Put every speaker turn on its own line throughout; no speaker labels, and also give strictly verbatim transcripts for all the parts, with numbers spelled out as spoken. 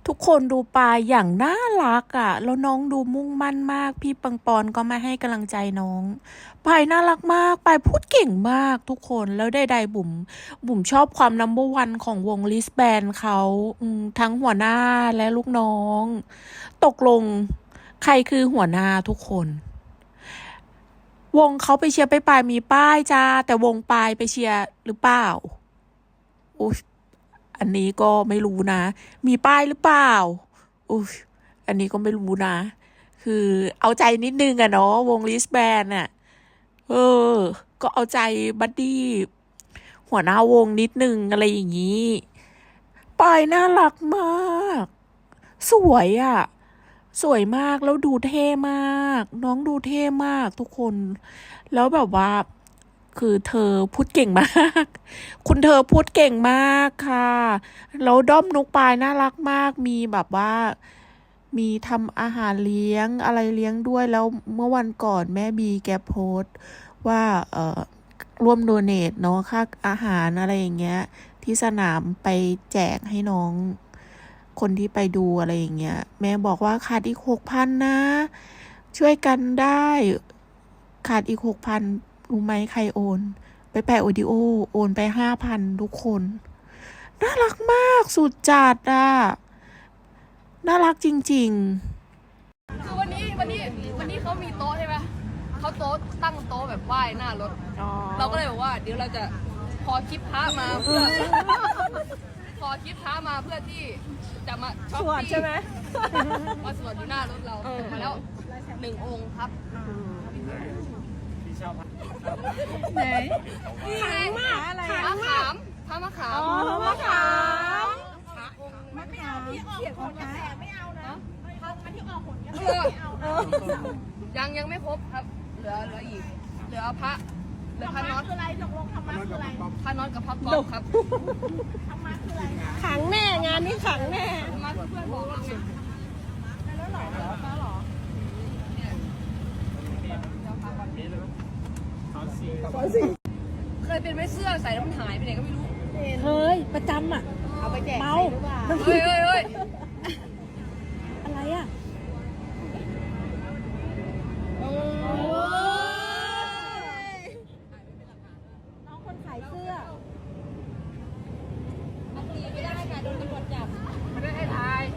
ทุกคนดูปลาอย่างน่ารักอ่ะแล้วน้องดูมุ่งมั่นมากพี่ปังปอนก็มาให้กำลังใจน้องปายน่ารักมากปายพูดเก่งมากทุกคนแล้วใดๆบุ๋มบุ๋มชอบความนัมเบอร์วันของวงลิสแบนเขาอืมทั้งหัวหน้าและลูกน้องตกลงใครคือหัวหน้าทุกคนวงเขาไปเชียร์ไปปายมีป้ายจ้าแต่วงปายไปเชียร์หรือเปล่าอุ๊ย อันนี้ก็ไม่รู้นะ มีป้ายหรือเปล่าอุ้ยอันนี้ก็ไม่รู้นะ คือเอาใจนิดนึงอะเนาะวงลิสแบนอะเออ ก็เอาใจบัดดี้หัวหน้าวงนิดนึงอะไรอย่างนี้ป้ายน่ารักมาก สวยอะสวยมากแล้วดูเท่มาก น้องดูเท่มากทุกคน แล้วแบบว่า คือเธอพูดเก่งมาก คุณเธอพูดเก่งมากค่ะ แล้วด้อมนุกปายน่ารักมาก มีแบบว่า มีทำอาหารเลี้ยงอะไรเลี้ยงด้วย แล้วเมื่อวันก่อนแม่บีแกโพสต์ว่า เอ่อ ร่วมโดเนทเนาะค่าอาหารอะไรอย่างเงี้ย ที่สนามไปแจกให้น้อง คนที่ไปดูอะไรอย่างเงี้ย แม่บอกว่าขาดอีกหกพันนะ ช่วยกันได้ ขาดอีกหกพันรู้ไหมใครโอน ไปแปะโอดิโอ โอนไปห้าพันทุกคน น่ารักมากสุดจัดอ่ะ น่ารักจริงๆ
คือวันนี้วันนี้วันนี้เขามีโต๊ะใช่ไหมเขาโต๊ะตั้งโต๊ะแบบไหว้หน้ารถเราก็เลยบอกว่าเดี๋ยวเราจะพอคลิปพระมาเพื่อพอคลิปพระมาเพื่อที่จะมาช็อปปี้ใช่ไหมมาสวดอยู่หน้ารถเรามาแล้วหนึ่งองค์ครับไหนขังมากอะไรมะขามพระมะขามอ๋อมะขามมันไม่เอาที่ออกผลกระแสไม่เอานะมันที่ออกผลกระแสไม่เอายังยังไม่ครบครับเหลือเหลืออีกเหลือพระเหลือพระน็อตคืออะไรตกลงธรรมะคืออะไรพระน็อตกับพระกอบครับธรรมะคืออะไรขังแน่งานนี้ขังแน่ธรรมะเพื่อนบอกเราไงแล้วหรอแล้วหรอเคยเป็นไหมเสื้อใส่แล้วมันหายไปไหนก็ไม่รู้
เคยประจำอ่ะ
เอาไปแจก
เมา
เฮ้ยเฮ้ยเฮ้ย
อะไรอ่ะน้องคนขายเสื้ออันนี้ไม่ได้ค่ะโดนตำรวจจับ
ไม่ได้ให้ถ่าย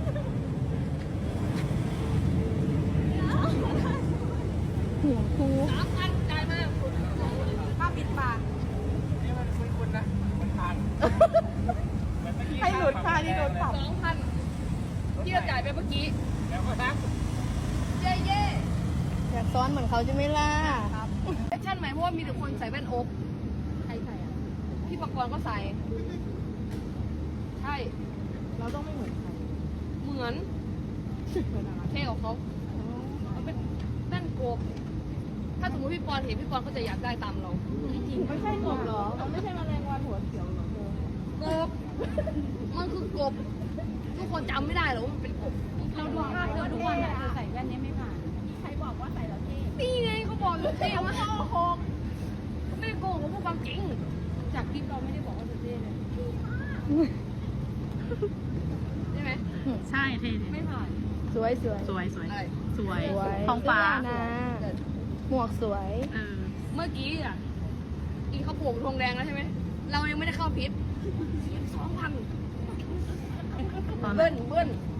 หัวครู
สามพันจ่ายมาค่าปิดปากนี่มันคุยคุณนะมันผ่าน
ให้หลุดค่าที่โดนปรับ
สองพันที่เราจ่ายไปเมื่อกี้แล้วก็นะเย่เย่
อยากซ้อนเหมือนเขาใช่ไหมล่ะ
ครับแอคชั่นใหม่เพราะว่ามีแต่คนใส่แว่นโอ๊ก
ใครใส่อ่ะ
พี่ปังกรก็ใส่ใช่
เราต้องไม่เหมือนใคร
เหมือนเท่ของเขาเขาเป็นแว่นโกบถ้าสมมติพี่ปอนเห็นพี่ปอนก็จะอยากได้ตามเรา
จริงไม่ใช่กบหรอมันไม่ใช่แมลงวันหัวเขียวหรอก
บมันคือกบทุกคนจำไม่ได้หรอกว่ามันเป็นกบ
เราดูภาพเธอทุกวันอ่ะเธอใส่แว่นนี้ไม่ผ่านใครบอกว่าใส่แล้วเท่
นี่ไงเขาบอกอยู่เท่มากโกหกไม่ได้โกหกเขาพูดความจริง
จากคลิปเราไม่ได้บอกว่าเธอเท่เลย
ใช่ไหม
ใช่เท่
ไม่ผ่าน
สวยสวย
สวยสวยสวย
ท้องฟ้าหมวกสวย
เมื่อกี้อ่ะอีเขาโผล่ธงแดงแล้วใช่ไหมเรายังไม่ได้เข้าพิษสองพันเบิ้ลเบิ้ล